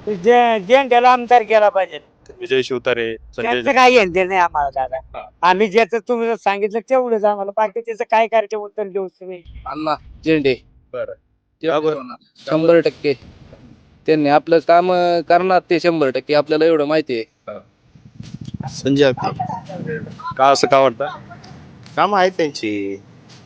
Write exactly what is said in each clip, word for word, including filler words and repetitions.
जे झेंड्याला आमदार केला पाहिजे. विजय शिवतारे, संजय त्यांचं काही घेणं नाही आम्हाला दादा. हा. आम्ही ज्याचं तुम्ही जर सांगितलं तेवढंच आम्हाला, बाकी त्याचं काय करायचं उत्तर देऊ तुम्ही. अण्णा झेंडे बरं ते का बरं? होणार. शंभर टक्के त्यांनी आपलं काम करणार ते शंभर टक्के आपल्याला एवढं माहिती आहे. संजय जगताप. का असं का वाटतं? काम आहेत त्यांची.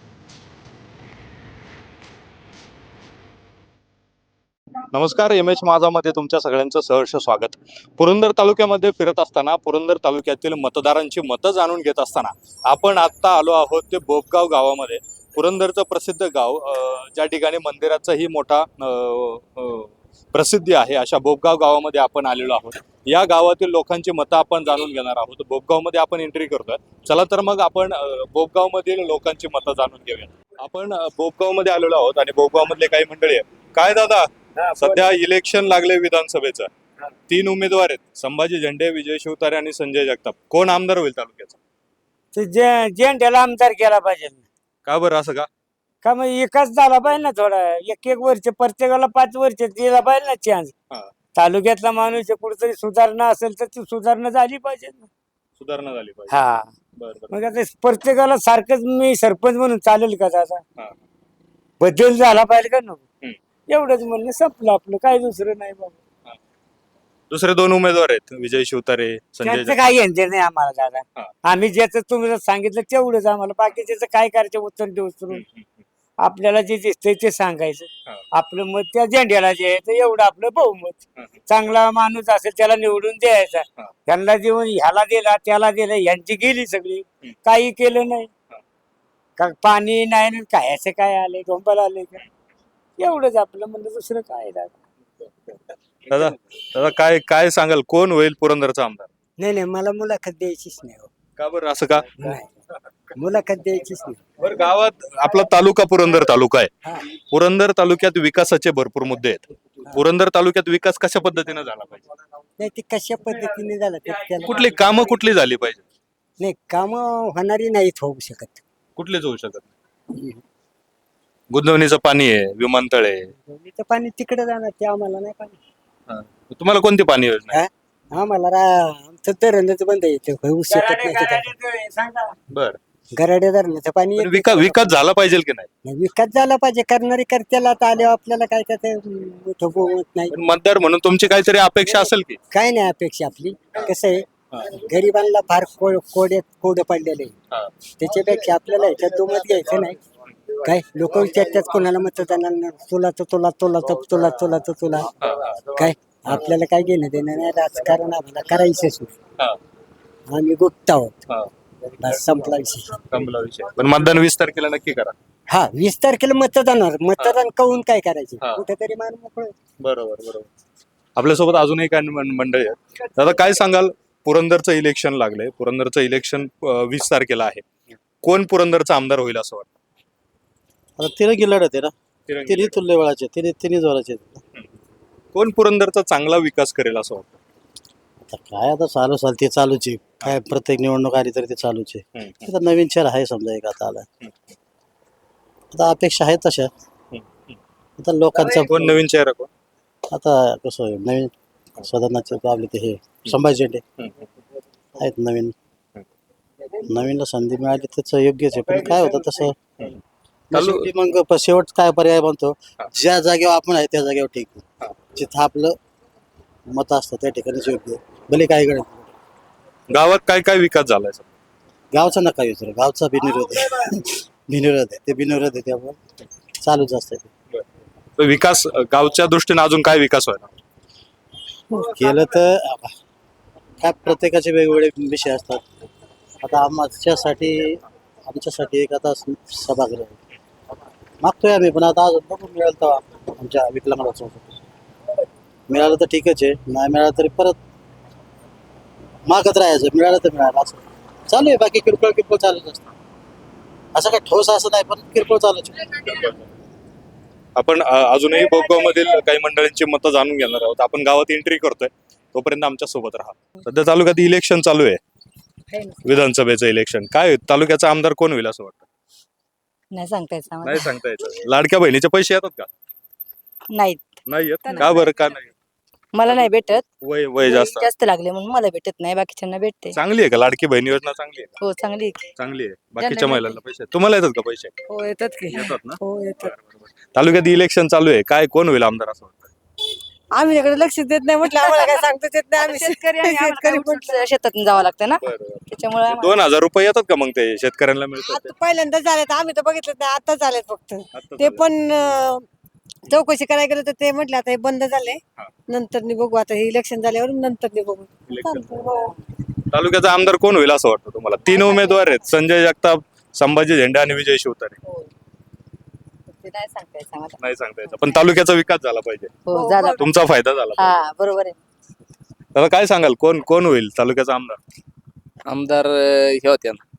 नमस्कार, एम एच माझामध्ये तुमच्या सगळ्यांचं सहर्ष स्वागत. पुरंदर तालुक्यामध्ये फिरत असताना, पुरंदर तालुक्यातील मतदारांची मतं जाणून घेत असताना आपण आत्ता आलो आहोत ते बोपगाव गावामध्ये. पुरंदरचं प्रसिद्ध गाव, अं, ज्या ठिकाणी मंदिराचाही मोठा अं, अं, प्रसिद्धी आहे, अशा बोपगाव गावामध्ये आपण आलेलो आहोत. या गावातील लोकांची मतं आपण जाणून घेणार आहोत. बोपगावमध्ये आपण एंट्री करतोय. चला तर मग आपण अं, बोपगावमधील लोकांची मतं जाणून घेऊया. आपण अं, बोपगावमध्ये आलेलो आहोत आणि बोपगावमधले काही मंडळी आहेत. काय दादा, सध्या इलेक्शन लागले विधानसभेचं. तीन उमेदवार आहेत, संभाजी झेंडे, विजय शिवतारे आणि संजय जगताप. कोण आमदार होईल तालुक्याचा? ते जे- झेंड्याला आमदार केला पाहिजे. का बरं असं का? का मग एकाच झाला पाहिजे ना, थोडा एक एक वर्ष प्रत्येकाला पाच वर्ष दिला पाहिजे ना चान्स. हा. तालुक्यातला माणूस आहे, कुठेतरी सुधारणा असेल तर ती सुधारणा झाली पाहिजे ना. सुधारणा झाली पाहिजे. हा, बरं बरं. मग आता प्रत्येकाला सारखंच मी सरपंच म्हणून चालेल का दादा? हा. बदल झाला पाहिजे का नको? हम्म. एवढंच म्हणणं, संपलं आपलं, काय दुसरं नाही बाबा. दुसरे दोन उमेदवार आहेत, विजय शिवतारे, संजय त्यांचं जगताप. काही घेणं नाही आम्हाला दादा. हा. आम्ही ज्याचं तुम्ही जर सांगितलं तेवढंच आम्हाला, बाकी त्याचं काय करायचं उत्तर देऊ हम्म, उचलून. हम्म, आपल्याला जे दिसतंय ते सांगायचं. हा. आपलं मत त्या झेंड्याला जे आहे ते एवढं आपलं बहुमत. हम्म. चांगला माणूस असेल त्याला निवडून द्यायचा. हा. त्यांना देऊन ह्याला दिला त्याला दिलं, यांची गेली सगळी. हम्म. काही केलं नाही. हा. का पाणी नाही ना, काय असं काय आले, डोंबाला आले का, एवढंच आपलं म्हणलं, दुसरं काय दादा. दादा दादा काय काय सांगाल, कोण होईल पुरंदरचा आमदार? नाही नाही, मला मुलाखत द्यायचीच नाही हो. का बरं असं का? नाही, मुलाखत द्यायचीच नाही. बरं, गावात आपला तालुका पुरंदर तालुका आहे. हा. पुरंदर तालुक्यात विकासाचे भरपूर मुद्दे आहेत. पुरंदर तालुक्यात विकास कशा पद्धतीने झाला पाहिजे? नाही, ते कशा पद्धतीने झालं ते त्याला कुठली कामं कुठली झाली पाहिजे? नाही, काम होणारी नाहीत होऊ शकत. कुठलीच होऊ शकत नाही. गुंतवणीचं पाणी आहे, विमानतळ आहे. तर पाणी तिकडे जाणार, ते आम्हाला नाही पाणी. हा. तुम्हाला कोणती पाणी योजना आहे? हा? आम्हाला रा- आमचं धरणच बंद येते, होऊ शकत नाही तिकडे. बर, गराडे धरणाचं पाणी येतं. विकास विकास झाला पाहिजे की नाही? नाही, विकास झाला पाहिजे, करणारी करत्याला आता आल्यावर आपल्याला काय त्याचं मोठं बहुमत नाही. पण मतदार म्हणून तुमची काहीतरी अपेक्षा असेल की? काय नाही अपेक्षा आपली. कसं आहे, गरिबांना फार कोड कोड्यात कोड पडलेले आहे. हा. त्याच्यापेक्षा आपल्याला ह्याच्यात दुमत घ्यायचं नाही. काय लोक विचारतात कोणाला मतदानांना, तुला तर तुला तुला तर तुला तुला तर तुला काय, आपल्याला काय घेणं देणं नाही. राजकारण आम्हाला करायचंच नाही. हा. आम्ही गुप्त आहोत, हा. बस संपला विषय. संपला विषय. पण मतदान वीस तारखेला नक्की करा. हा, वीस तारखेला मतदानावर मतदान करून काय करायचे, हा. कुठेतरी मान मोकळं. बरोबर बरोबर. आपल्यासोबत अजूनही काही मं- मंडळी आहेत. दादा काय सांगाल, पुरंदरचं इलेक्शन लागलंय. पुरंदरचं इलेक्शन अं, वीस तारखेला आहे. कोण पुरंदरचा आमदार होईल असं वाटतं? आता तिरंगी लढत आहे ना, तिरंगी. तिन्ही तुल्य बळाचे, तिन्ही तिन्ही जोराचे आहेत. कोण पुरंदरचा चांगला विकास करेल असं वाटतं? आता काय आता चालू चाल ते चालूच आहे. काय प्रत्येक निवडणूक आली तरी ते चालूच आहे. हम्म, आता नवीन चेहर आहे समजा एक आता आला. आता अपेक्षा आहेत तशा. हम्म. आता लोकांचा कोण नवीन चेहरा कोण? आता कसं आहे, नवीन सदनाचे आपले ते हे संभाजी झेंडे आहेत नवीन. नवीनला संधी मिळाली त्याचं योग्यच आहे, पण काय होतं तसं मग शेवटी मग प- शेवट काय पर्याय बनतो, ज्या जागेवर आपण आहे त्या जागेवर ठीक आहे. जिथं आपलं मत असतं त्या ठिकाणीच योग्य आहे. भले काय गणित. गावात काय काय विकास झालाय सर? गावचा नका विचारू, गावचा बिनविरोध आहे. बिनविरोध आहे, ते बिनविरोध आहे, त्यामुळे चालूच असतं ते. तर विकास अं, गावच्या दृष्टीने अजून काय विकास व्हायला? केलं तर काय प्रत्येकाचे वेगवेगळे विषय असतात. आता आमच्यासाठी आमच्यासाठी एक आता सभागृह आहे. मागतोय आम्ही, पण आता अजून बघू मिळेल तेव्हा आमच्या विकलांगाचं मिळालं तर ठीकच आहे, नाही मिळालं तरी परत मागत राहायचं. मिळालं तर मिळालं असं चालू आहे. बाकी किरकोळ किरकोळ चालूच असतं. असं काय ठोस असं नाही, पण किरकोळ चालूच आहे. आपण अं, अजूनही बोपगाव मधील काही मंडळींची मतं जाणून घेणार आहोत. आपण गावात एंट्री करतोय, तोपर्यंत आमच्या सोबत राहा. सध्या तालुक्यात इलेक्शन चालू आहे, विधानसभेचं इलेक्शन. काय तालुक्याचा आमदार कोण होईल असं वाटतं? नाही सांगता येत आम्हाला. नाही सांगता येतं. लाडक्या बहिणीचे पैसे येतात का? नाहीत. नाही येत. का बरं? का नाही? मला नाही भेटत वय वय जास्त जास्त लागले म्हणून मला भेटत नाही, बाकीच्यांना भेटते. चांगली आहे का लाडकी बहीण योजना? चांगली आहे का? हो चांगली आहे की. चांगली आहे. बाकीच्या ज्यांना महिलांना पैसे तुम्हाला येतात का पैसे? हो येतात की. येतात ना? हो येतात. तालुक्यात इलेक्शन चालू आहे, काय कोण होईल आमदार असं वाटतं? आम्ही त्याकडे लक्ष देत नाही म्हटलं, आम्हाला काय सांगता येत नाही. आम्ही शेतकरी आणि शेतकरी पण शेतातून जावं लागतं ना, त्याच्यामुळे आम्हाला- दोन हजार रुपये येतात का मग ते शेतकऱ्यांना मिळतात ते? आता पहिल्यांदा झालेत, आम्ही तर बघितलं नाही, आता झालेत फक्त. आता ते चालू पण अं, चौकशी करायला गेलं तर ते म्हटले आता हे बंद झाले, हा. नंतर नि बघू, आता हे इलेक्शन झाल्यावर नंतर नि बघू. Election. चालतंय, हो. आहे. तालुक्याचा आमदार कोण होईल असं वाटतं तुम्हाला? तीन उमेदवार आहेत, संजय जगताप, संभाजी झेंडे आणि विजय शिवतारे. हो. ते नाही सांगता येत आम्हाला. नाही सांगता येतं, पण तालुक्याचा विकास झाला पाहिजे, हो झाला. तुमचा फायदा झाला पाहिजे. हा बरोबर आहे. आता काय सांगाल, कोण कोण होईल तालुक्याचा आमदार? आमदार अं, हे होते ना,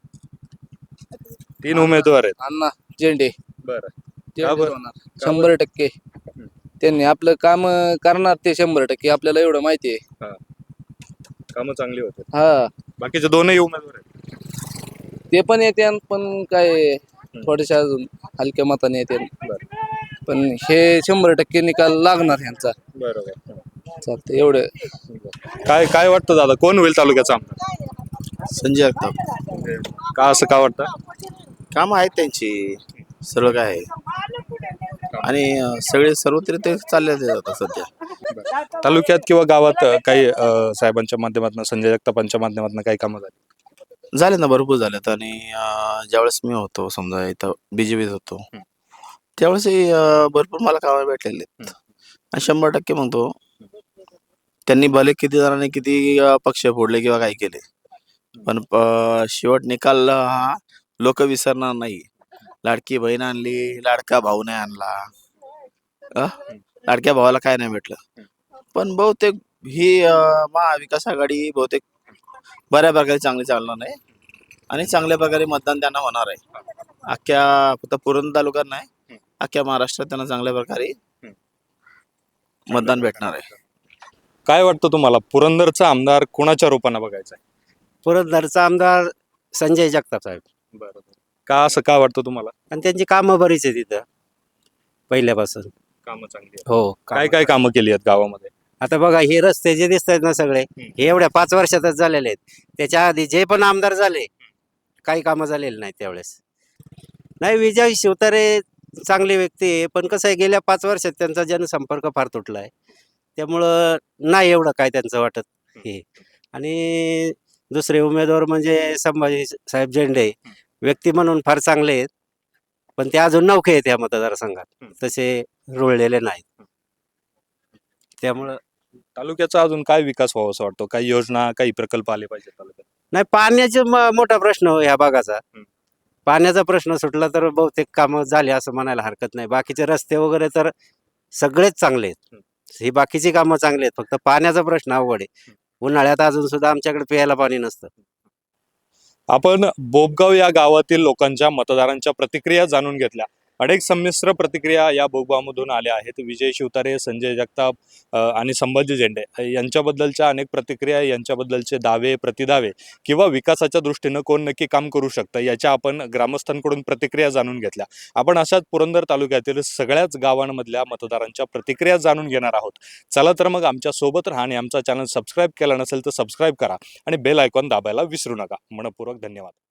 तीन उमेदवार आहेत. अण्णा झेंडे. बरं. ते का बरं? होणार. शंभर टक्के त्यांनी आपलं काम अं, करणार ते शंभर टक्के, आपल्याला एवढं माहिती आहे. कामं चांगली होते. हा बाकीचे दोनही उमेदवार आहेत. ते पण येते पण काय थोडेसे अजून हलक्या मताने येते, पण हे शंभर टक्के निकाल लागणार ह्यांचा. बरोबर. चालतं एवढं. काय काय वाटतं दादा, कोण होईल तालुक्याचा आमदार? संजय जगताप. का असं का वाटतं? कामं आहेत त्यांची, सर्व काय आहे आणि अं, सगळे सर्वत्र ते चालले आता सध्या. तालुक्यात किंवा गावात अ, काही अ, साहेबांच्या माध्यमातून, संजय जगतापांच्या माध्यमातून काही कामं झाली? झाले ना, भरपूर झालेत. आणि अं, ज्यावेळेस मी होतो समजा इथं बीजेपीत होतो, त्यावेळेस भरपूर मला कामं भेटलेले आहेत. आणि शंभर टक्के म्हणतो त्यांनी भले किती जणांनी किती अं, पक्ष फोडले किंवा काय केले, पण अं, शेवट निकाल हा लोक विसरणार नाही. लाडकी बहीण आणली, लाडका भाऊ नाही आणला. अं? लाडक्या भावाला काय नाही भेटलं, पण बहुतेक ही अं, महाविकास आघाडी बहुतेक बऱ्या प्रकारे चांगली चालणार नाही आणि चांगल्या प्रकारे मतदान त्यांना होणार आहे. अख्ख्या फक्त पुरंदर तालुक्यात नाही, अख्ख्या महाराष्ट्रात त्यांना चांगल्या प्रकारे मतदान भेटणार आहे. काय वाटतं तुम्हाला, पुरंदरचा आमदार कुणाच्या रूपाने बघायचा आहे? पुरंदरचा आमदार संजय जगताप साहेब. बरोबर. का असं का वाटतं तुम्हाला? आणि त्यांची कामं बरीच आहे तिथं पहिल्यापासून. कामं चांगली आहेत. हो काय काय कामं केली आहेत गावामध्ये? आता बघा हे रस्ते जे दिसत आहेत ना सगळे, हे एवढ्या पाच वर्षातच झालेले आहेत. त्याच्या आधी जे पण आमदार झाले काही कामं झालेली नाही त्यावेळेस. नाही, विजय शिवतारे चांगली व्यक्ती आहे, पण कसं आहे गेल्या पाच वर्षात त्यांचा जनसंपर्क फार तुटला आहे, त्यामुळं नाही एवढं काय त्यांचं वाटत हे. आणि दुसरे उमेदवार म्हणजे संभाजी साहेब झेंडे, व्यक्ती म्हणून फार चांगले आहेत, पण ते अजून नौके आहेत या मतदारसंघात, तसे रुळलेले नाहीत. त्यामुळं तालुक्याचा अजून काय विकास व्हावा असं वाटतं? काही योजना, काही प्रकल्प आले पाहिजे तालुक्यात? नाही, पाण्याचा म- मोठा प्रश्न हो ह्या भागाचा. हम्म. पाण्याचा प्रश्न सुटला तर बहुतेक कामं झाली असं म्हणायला हरकत नाही. बाकीचे रस्ते वगैरे तर सगळेच चांगले आहेत, ही बाकीची कामं चांगली आहेत, फक्त पाण्याचा प्रश्न अवघड आहे. उन्हाळ्यात अजून सुद्धा आमच्याकडे प्यायला पाणी नसतं. आपण बोबगाव या गावातील लोकांच्या, मतदारांच्या प्रतिक्रिया जाणून घेतल्या. अनेक संमिश्र प्रतिक्रिया या बोबगावमधून आल्या आहेत. विजय शिवतारे, संजय जगताप अ, आणि संभाजी झेंडे यांच्याबद्दलच्या अनेक प्रतिक्रिया, यांच्याबद्दलचे दावे, प्रतिदावे किंवा विकासाच्या दृष्टीनं कोण नक्की काम करू शकतं याच्या आपण ग्रामस्थांकडून प्रतिक्रिया जाणून घेतल्या. आपण अशाच पुरंदर तालुक्यातील सगळ्याच गावांमधल्या मतदारांच्या प्रतिक्रिया जाणून घेणार आहोत. चला तर मग आमच्या सोबत राहा आणि आमचा चॅनल सबस्क्राईब केला नसेल तर सबस्क्राईब करा आणि बेल आयकॉन दाबायला विसरू नका. मनपूर्वक धन्यवाद.